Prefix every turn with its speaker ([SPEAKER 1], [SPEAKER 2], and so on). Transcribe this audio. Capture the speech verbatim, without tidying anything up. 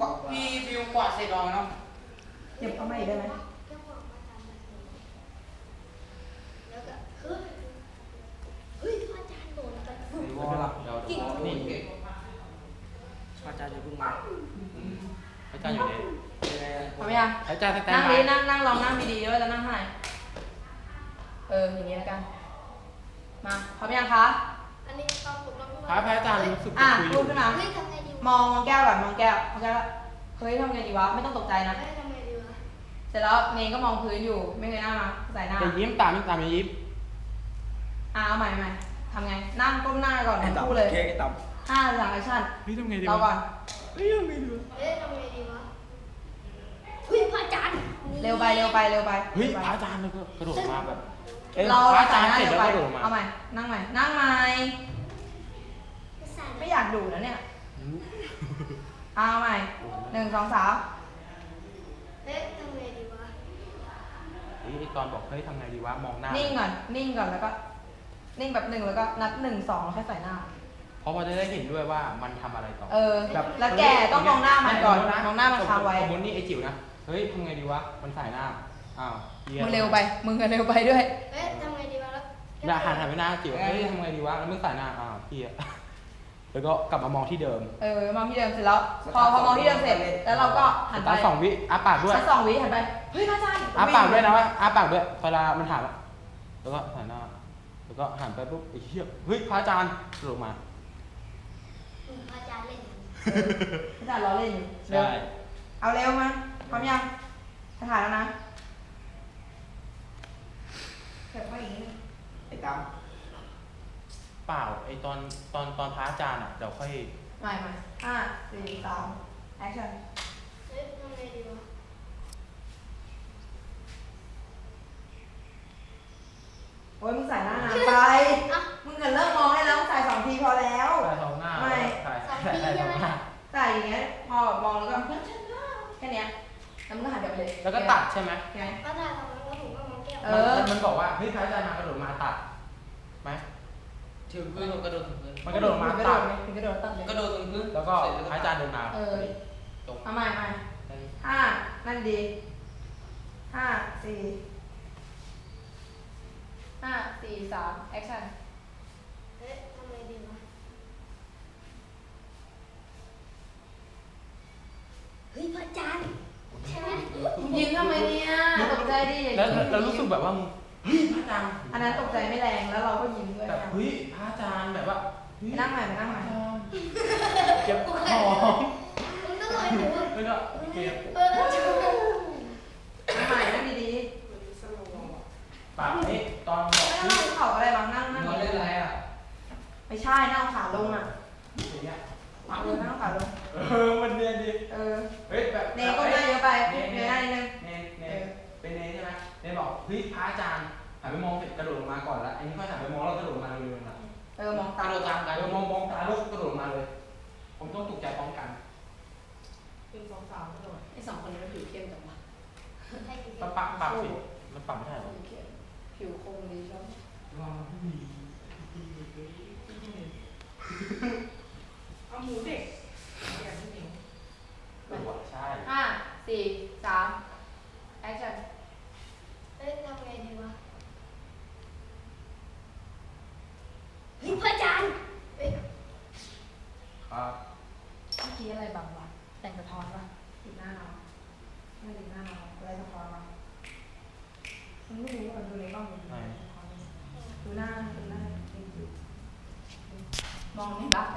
[SPEAKER 1] วาดพี่ฟิวกวาดเสร็จแล้วเนาะ
[SPEAKER 2] เก็บเข้ามาอีกได้ไหม
[SPEAKER 3] แล้วก็เฮ้ยเฮ้ยพระอาจารย์โดนกัน
[SPEAKER 1] วอลเดี๋ยวเดี๋ยวนี่เก่งอาจารย์จะเพิ่งมาอาจารย์อยู่ไหน
[SPEAKER 2] พร้อมยัง
[SPEAKER 1] อาจารย์สแตน
[SPEAKER 2] นั่ง
[SPEAKER 1] บา
[SPEAKER 2] ดี
[SPEAKER 1] ย
[SPEAKER 2] นั่งนั่งลองนั่งดีๆด้วยจะนั่งเท่าไหร่เอออย่างนี้แล้วกันมาพร้อมยังคะ
[SPEAKER 3] อันนี้ตอนผมลอง
[SPEAKER 1] พระพระอาจารย์รู้สึก
[SPEAKER 2] อ่ะ
[SPEAKER 1] คุยอ
[SPEAKER 2] พู
[SPEAKER 1] ยู่
[SPEAKER 2] ดขึ้นมา
[SPEAKER 3] เฮ้ยทำไงดี
[SPEAKER 2] มองมองแก้วแบบมองแก้วมองแก้วเฮ้ยทำไงดีวะไม่ต้องตกใจนะ
[SPEAKER 3] เฮ้ยทำไงดีวะ
[SPEAKER 2] เสร็จแล้วเนยก็มองพื้นอยู่ไม่เคยหน้ามาใส่หน้า
[SPEAKER 1] จะยิ้มตามตามอย่ายิ้ม
[SPEAKER 2] อ่ะเอาใหม่ใหม่ทำไงนั่งก้มหน้าก่อนทั้งคู่เลย
[SPEAKER 4] เค้กไอ้ตับ
[SPEAKER 2] ห้าหลังแอคชั่น
[SPEAKER 1] เฮ้ยทำไงดี
[SPEAKER 2] เราก่อน
[SPEAKER 1] เฮ้ยทำไงดีวะ
[SPEAKER 3] เฮ้ยทำไงดีวะเฮ้ยพระอาจารย์
[SPEAKER 2] เร็วไปเร็วไปเร็วไป
[SPEAKER 1] เฮ้ยพระอาจารย์แล้วก็กระโดดมาแบบ
[SPEAKER 2] เรา
[SPEAKER 1] พระอาจารย์
[SPEAKER 2] ใส่
[SPEAKER 1] เสร็จ
[SPEAKER 2] ห
[SPEAKER 1] แล้
[SPEAKER 2] น้าว เร็ว
[SPEAKER 1] ก็
[SPEAKER 2] ไป
[SPEAKER 1] กระโดดมา
[SPEAKER 2] เอาใหม่นั่งใหม่นั่งใหม่ไม่อยากดูแล้วเนี่ยเอาใหม่หนึ่งสองสาม
[SPEAKER 3] เฮ้ยทำไงดีวะ
[SPEAKER 1] เฮ้ยตอนบอกเฮ้ยทำไงดีวะมองหน้า
[SPEAKER 2] นิ่งก่อนนิ่งก่อนแล้วก็ นิ่งแบบหนึ่งแล้วก็นับหนึ่งสองแล้วค่อยใส่หน้า
[SPEAKER 1] เพราะว่าจะได้เห็นด้วยว่ามันทำอะไรต่อ
[SPEAKER 2] เออ
[SPEAKER 1] แบบ
[SPEAKER 2] แล้วแกต้องมองหน้ามันก่อนมองหน้ามันค้างไว้
[SPEAKER 1] สมมตินี่ไอจิ๋วนะเฮ้ยทำไงดีวะมันสายหน้าอ้าวหี้ย
[SPEAKER 2] มึงเร็วไปมึงก็เร็วไปด้วย
[SPEAKER 3] เฮ้ยทำไงดีวะแล้ว
[SPEAKER 1] อย่าหันหันไปหน้าจิ๋วเฮ้ยทำไงดีวะแล้วมึงสายหน้าอ้าวเฮียแล้วก็กลับมามองที่เดิม
[SPEAKER 2] เออมองที่เดิมเสร็จแล้ว พอพอมองที่เดิมเสร็จแล้วเราก็หันไป
[SPEAKER 1] ตาสองวิอ้าปากด้วย
[SPEAKER 2] สักสองวิหันไปเฮ้ยพระอาจารย์
[SPEAKER 1] อ้าปากด้วยนะว่าอ้าปากด้วยเวลามันถามอะแล้วก็หันหน้าแล้วก็หันไปปุ๊บไอ้เหี้ยเฮ้ยพระอาจารย์ลงมา
[SPEAKER 3] พระอาจารย์เล่น
[SPEAKER 2] พระอาจารย์ล้อเล่นอยู่เร็
[SPEAKER 1] ใช่
[SPEAKER 2] วเอาเร็วมาพร้อมยังจะถ่ายแล้วนะเก็บไว้อย่างนี้
[SPEAKER 4] ไอ้ตับ
[SPEAKER 1] เปล่าไอตอนตอนตอนพระอาจารย์อ่ะเดี๋ยวค่อย
[SPEAKER 2] ใหม่ใหม่ห้าสี่สามแอคชั่น
[SPEAKER 3] เฮ้ยทำไงดีวะ
[SPEAKER 2] โอ้ยมึงใส่หน้านานไปมึงกันเลิกมองได้แล้วมึงใส่สองทีพอแล้ว
[SPEAKER 1] ถ่ายสองหน้า
[SPEAKER 2] ไม่
[SPEAKER 1] ถ่ายถ่ายถ่ายสองหน้า
[SPEAKER 2] ใส่อย่างเงี้ยพอแบบมองแล้วก็แค่เนี้ยแล้วมึงก็หันกลับไปเลย
[SPEAKER 1] แล้วก็ตัดใช่ไหม
[SPEAKER 2] ไง
[SPEAKER 3] พระอาจารย์ทำแล้วผมก็มองแก้ว
[SPEAKER 2] เอ
[SPEAKER 1] มัน
[SPEAKER 2] อ
[SPEAKER 1] มันบอกว่าเฮ้ยพระอาจารย์มากระโดดมาตัดไหม
[SPEAKER 5] ถึงพื้นกระโดดถึงพื้น
[SPEAKER 1] มันกระโดดมา
[SPEAKER 2] มึงกระโด
[SPEAKER 1] ตั
[SPEAKER 2] ด
[SPEAKER 1] ด
[SPEAKER 2] ไหมมึงกระโดดตัดเลย
[SPEAKER 5] กระโดดถึงพื้น
[SPEAKER 1] แล้วก็พระอาจารย์เดินมา
[SPEAKER 2] เออ
[SPEAKER 1] ตรง
[SPEAKER 2] เอาใหม่ใหม่ห้านั่นดีห้าสี่ห้าสี่สามแอคชั่น
[SPEAKER 3] เฮ้ยทำไงดีวะเฮ้ยพระอาจารย์ใช่ไหม
[SPEAKER 2] มึงยิงทำไมเนี่ยตกใจดิ
[SPEAKER 1] แล้วแล้วรู้สึกแบบว่ามึงเฮ้ยพระอาจารย์
[SPEAKER 2] อันนั้นตกใจไม่แรงแล้วเราก็ยิ้มด้วย
[SPEAKER 1] แบบ
[SPEAKER 2] นะ
[SPEAKER 1] เฮ้ยพระอาจารย์แบบว่าเฮ้ย
[SPEAKER 2] ไปนั่งใหม่ไปนั่งใหม่
[SPEAKER 1] เจ็บคอ
[SPEAKER 3] มึงต้องลอยหนู
[SPEAKER 1] แล้วก็เจ็บ
[SPEAKER 3] เออ
[SPEAKER 2] นั่งใหม่นั่งดี
[SPEAKER 1] ปากนี่ตอนบอก
[SPEAKER 2] ๆไม่
[SPEAKER 1] เฮ้
[SPEAKER 2] ต้อย งเข่าอะไรบ้างนั่งนั่ง
[SPEAKER 5] นอนเล่นอะไรอ่ะ
[SPEAKER 2] ไม่ใช่นั่งขาลงอ่ะ
[SPEAKER 1] อย่างเงี้ย
[SPEAKER 2] เอาเลยนั่งขาลง
[SPEAKER 1] เออมันเนียนดี
[SPEAKER 2] เออ
[SPEAKER 1] เฮ้ยแบบ
[SPEAKER 2] เนก็หน้าเยอะไป
[SPEAKER 1] เน
[SPEAKER 2] เน
[SPEAKER 1] เน
[SPEAKER 2] หน้านิดนึง
[SPEAKER 1] เนเนเป็นเนใช่ไหมเนบอกเฮ้ยพระอาจารย์หันไปมองเสร็จกระโดดลงมาก่อนแล้วอันนี้ค่อยหันไปมองแล้วกระโดดลงมาเร็วๆนะ
[SPEAKER 2] เออมอง
[SPEAKER 5] ก
[SPEAKER 2] ตา
[SPEAKER 5] ระโดดตาม
[SPEAKER 1] เอ
[SPEAKER 5] กัน
[SPEAKER 1] อมองมองตาลูกกระโดดลงมาเลย ผมต้องตกใจพร้อมกัน
[SPEAKER 2] เป็นสองสามกระโดดไอ้สองคนนี้มันผิวเข้มจังวะ
[SPEAKER 1] มันปรับปรับสิมันปรับไม่ได้หรอ
[SPEAKER 2] ผิวคมดีใช่ไหม
[SPEAKER 1] ว้าวดี
[SPEAKER 2] เอาหมูเด็กอย่างที่หนึ่ง
[SPEAKER 1] เออว่ะใช่
[SPEAKER 2] ห้าสี่สามแอคชั่น
[SPEAKER 3] เฮ้ยทำไงดีวะเฮ้ยพระอาจารย์เฮ้ย
[SPEAKER 1] ครับ
[SPEAKER 2] เมื่อกี้อะไรบางวะแต่งสะท้อนวะติดหน้าเราไม่ติดหน้าเราอะไรสะท้อนวะมันไม่รู้ว่ามันดูในกล้องมันดูหน้าดูหน้ามองในบัฟ